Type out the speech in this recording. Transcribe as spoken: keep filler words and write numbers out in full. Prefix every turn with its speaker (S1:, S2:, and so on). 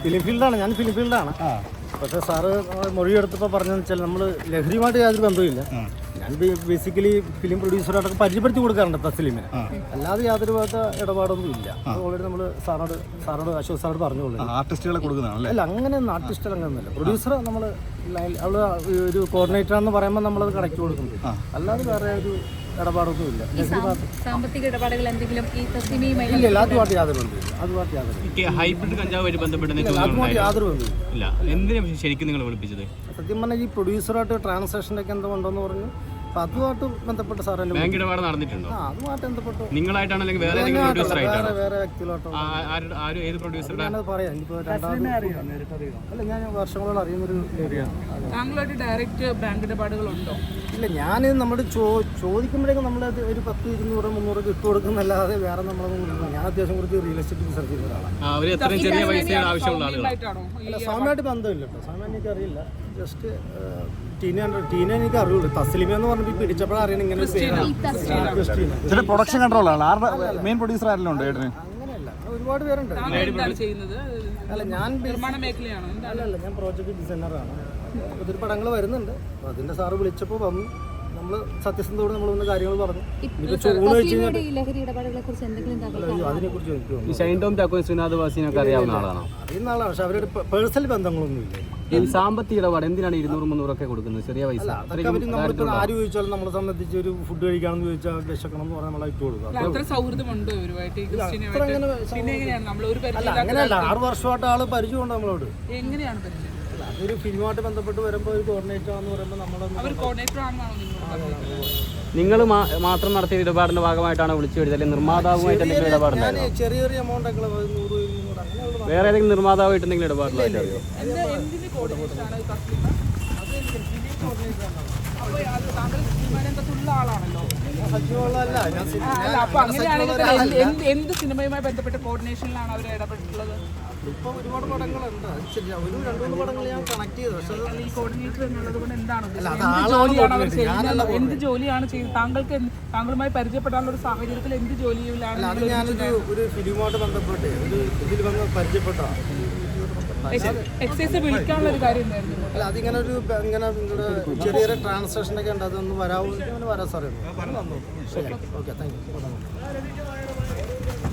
S1: Film ഫീൽഡാണ്, ഞാൻ film ഫീൽഡാണ്. പക്ഷേ സാറ് മൊഴിയെടുത്തപ്പോൾ പറഞ്ഞതെന്ന് വെച്ചാൽ നമ്മൾ ലഹരിയുമായിട്ട് യാതൊരു ബന്ധവുമില്ല. ഞാൻ ബേസിക്കലി ഫിലിം പ്രൊഡ്യൂസറായിട്ടൊക്കെ പരിചയപ്പെടുത്തി കൊടുക്കാറുണ്ട് തസ്ലീമിനെ, അല്ലാതെ യാതൊരു ഭാഗത്ത് ഇടപാടൊന്നും ഇല്ല. ഓൾറെഡി നമ്മൾ സാറിനോട് സാറിനോട് അശോക് സാറോട് പറഞ്ഞോളൂ.
S2: ആർട്ടിസ്റ്റുകളെ കൊടുക്കുന്നതാണ്
S1: അല്ല, അങ്ങനെയൊന്നും ആർട്ടിസ്റ്റ് അങ്ങനെയൊന്നുമില്ല. പ്രൊഡ്യൂസർ നമ്മൾ അവള് ഒരു കോർഡിനേറ്ററാണെന്ന് പറയുമ്പോൾ നമ്മളത് കണക്ട് കൊടുക്കുന്നത്, അല്ലാതെ വേറെ ഒരു ഇടപാടൊന്നും ഇല്ല.
S3: സാമ്പത്തിക ഇടപാടുകൾ എന്തെങ്കിലും ഈ തസ്ലീമയുമായി
S1: ഇല്ല, അതുമായിട്ട് യാതൊരു ബന്ധമില്ല. അതുമായിട്ട് യാതൊരു
S4: ഹൈബ്രിഡ് കഞ്ചാവുമായിട്ട് ബന്ധപ്പെട്ട്
S1: അതുമായിട്ട് യാതൊരു ബന്ധമില്ല.
S4: ഇല്ല. എന്തിനാണ് ശരിക്കും നിങ്ങൾ വിളിപ്പിച്ചത്?
S1: സത്യം പറഞ്ഞാൽ ഈ പ്രൊഡ്യൂസറായിട്ട് ട്രാൻസാക്ഷനൊക്കെ എന്തോ ഉണ്ടോന്ന് പറഞ്ഞു. അപ്പോൾ അതുമായിട്ട് ബന്ധപ്പെട്ട് സാർ എന്നെ
S4: ബാങ്ക് ഇടപാട് നടന്നിട്ടുണ്ടോ?
S1: ആ അതുമായിട്ട് ബന്ധപ്പെട്ട്
S4: നിങ്ങളായിട്ടാണോ അല്ലെങ്കിൽ വേറെ ഏതെങ്കിലും പ്രൊഡ്യൂസർ ആയിട്ടാണോ?
S1: വേറെ വ്യക്തികളായിട്ടോ
S4: ആരും ഏത് പ്രൊഡ്യൂസറുടെ?
S1: ഞാനത് പറയാം. എനിക്കിപ്പോൾ രണ്ടാമത് അല്ല, ഞാൻ വർഷങ്ങളോട് അറിയുന്നൊരു ഏരിയയാണ്.
S5: താങ്കളായിട്ട് ഡയറക്റ്റ് ബാങ്ക് ഇടപാടുകളുണ്ടോ?
S1: ഇല്ല, ഞാൻ നമ്മൾ ചോ ചോദിക്കുമ്പോഴേക്കും നമ്മളത് ഒരു പത്ത് ഇരുന്നൂറ് മുന്നൂറൊക്കെ ഇട്ട് കൊടുക്കുന്നല്ലാതെ വേറെ നമ്മളൊന്നും. ഞാൻ അത്യാവശ്യം കുറച്ച് റിയൽ എസ്റ്റേറ്റ് റിസർച്ച് ചെയ്യുന്ന ഒരാളാണ്.
S4: അവർ എത്രയും ചെറിയ പൈസയുടെ ആവശ്യമുള്ള ആളുകളാണ്.
S1: അല്ല, സാമായിട്ട് ബന്ധമില്ല കേട്ടോ. സാമാൻ എനിക്കറിയില്ല. ജസ്റ്റ് ടീന ടീന എനിക്ക് അറിയുള്ളൂ. തസ്ലീമ എന്ന് പറഞ്ഞപ്പോൾ പിടിച്ചപ്പോഴാണ് അറിയണം ഇങ്ങനെ
S2: ചില പ്രൊഡക്ഷൻ കൺട്രോളാണ്. ആരുടെ മെയിൻ പ്രൊഡ്യൂസർ ആരെല്ലാം ഉണ്ട് ഏട്ടന്?
S1: അങ്ങനെയല്ല, ഒരുപാട് പേരുണ്ട്.
S5: ചെയ്യുന്നത്
S1: അല്ല, ഞാൻ
S5: നിർമ്മാണ മേഖലയാണോ?
S1: അല്ലല്ല, ഞാൻ പ്രോജക്റ്റ് ഡിസൈനറാണ്. ഒത്തിരി പടങ്ങൾ വരുന്നുണ്ട്. അപ്പോൾ അതിൻ്റെ സാറ് വിളിച്ചപ്പോൾ വന്നു. നമ്മൾ സത്യസന്ധതയോടെ നമ്മൾ വന്ന കാര്യങ്ങൾ പറഞ്ഞു. അതിനെക്കുറിച്ച് എനിക്ക്
S4: ഷൈൻ ടോം ചാക്കോ ശ്രീനാഥ് വാസിനൊക്കെ അറിയാവുന്ന ആളാണോ?
S1: അറിയുന്ന ആളാണ്, പക്ഷെ അവരുടെ പേഴ്സണൽ ബന്ധങ്ങളൊന്നും ഇല്ല.
S4: ഈ സാമ്പത്തിക ഇടപാട് എന്തിനാണ് ഇരുന്നൂറ് മുന്നൂറൊക്കെ കൊടുക്കുന്നത്? ചെറിയ പൈസ.
S1: അതൊക്കെ അവർ നമ്മളിപ്പോൾ ആര് ചോദിച്ചാലും നമ്മളെ സംബന്ധിച്ച് ഒരു ഫുഡ് കഴിക്കാമെന്ന് ചോദിച്ചാൽ വിശക്കണം എന്ന് പറഞ്ഞാൽ നമ്മളെ ഇട്ട് കൊടുക്കുക.
S5: അത്ര സൗഹൃദമുണ്ടോ ഇവരുമായിട്ട്? പിന്നെ എങ്ങനെയാണ് നമ്മൾ ഒരു
S1: അങ്ങനെയല്ല, ആറ് വർഷമായിട്ട് ആള് പരിചയമുണ്ട് നമ്മളോട്.
S5: എങ്ങനെയാണ് പരിചയം?
S1: അതൊരു ഫിലിമായിട്ട് ബന്ധപ്പെട്ട് വരുമ്പോൾ ഒരു കോർഡിനേറ്റർ ആണെന്ന് പറയുമ്പോൾ നമ്മളൊന്നും
S5: കോർഡിനേറ്റർ ആണെന്നാണോ
S4: നിങ്ങൾ മാത്രം നടത്തിയ ഇടപാടിന്റെ ഭാഗമായിട്ടാണ് വിളിച്ചു വരുന്നത്, അല്ലെങ്കിൽ നിർമ്മാതാവുമായിട്ട് എന്തെങ്കിലും ഇടപാടുണ്ടായിരുന്നു?
S1: ഞാൻ ചെറിയ ചെറിയ എമൗണ്ട് ഒക്കെ നൂറ് ഇരുന്നൂറ് അങ്ങനെയുള്ള
S4: വേറെ ഏതെങ്കിലും നിർമ്മാതാവായിട്ട് എന്തെങ്കിലും ഇടപാടില്ലായിട്ട് അറിയോ?
S5: എന്തിന് കോർഡിനേഷനാണ് തസ്ലീമ? അപ്പോൾ അത് താങ്കൾ സിനിമയിലുള്ള ആളാണല്ലോ.
S1: സജീവമുള്ളതല്ല ഞാൻ.
S5: അല്ല, അപ്പോൾ അങ്ങനെയാണെങ്കിൽ എന്ത് എന്ത് സിനിമയുമായി ബന്ധപ്പെട്ട കോർഡിനേഷനിലാണ് അവർ ഇടപെട്ടിട്ടുള്ളത്?
S1: ഇപ്പോൾ ഒരുപാട് പടങ്ങളുണ്ട്. ശരി, ഒരു രണ്ട് മൂന്ന് പടങ്ങൾ ഞാൻ കണക്ട് ചെയ്തു. പക്ഷേ
S5: ഈ കോർഡിനേറ്റർ എന്നുള്ളത് കൊണ്ട് എന്താണ് ജോലിയാണ് അവർ ചെയ്യുന്നത്? എന്ത് ജോലിയാണ് ചെയ്യുന്നത്? താങ്കൾക്ക് താങ്കളുമായി പരിചയപ്പെടാനുള്ള ഒരു സാഹചര്യത്തിൽ എന്ത് ജോലിയിലാണ്?
S1: അത് ഞാനൊരു ഒരു ഫിലിമായിട്ട് ബന്ധപ്പെട്ട് ഒരു ഇതിൽ വന്ന് പരിചയപ്പെട്ടാണ്.
S5: എക്സൈസ് വിളിക്കാനുള്ള ഒരു കാര്യം എന്തായിരുന്നു?
S1: അല്ല, അതിങ്ങനെ ഒരു ഇങ്ങനെ നിങ്ങളുടെ ചെറിയ ചെറിയ ട്രാൻസാക്ഷനൊക്കെ ഉണ്ട്. അതൊന്ന് വരാമോ? വരാൻ സാറേ. Okay, thank U.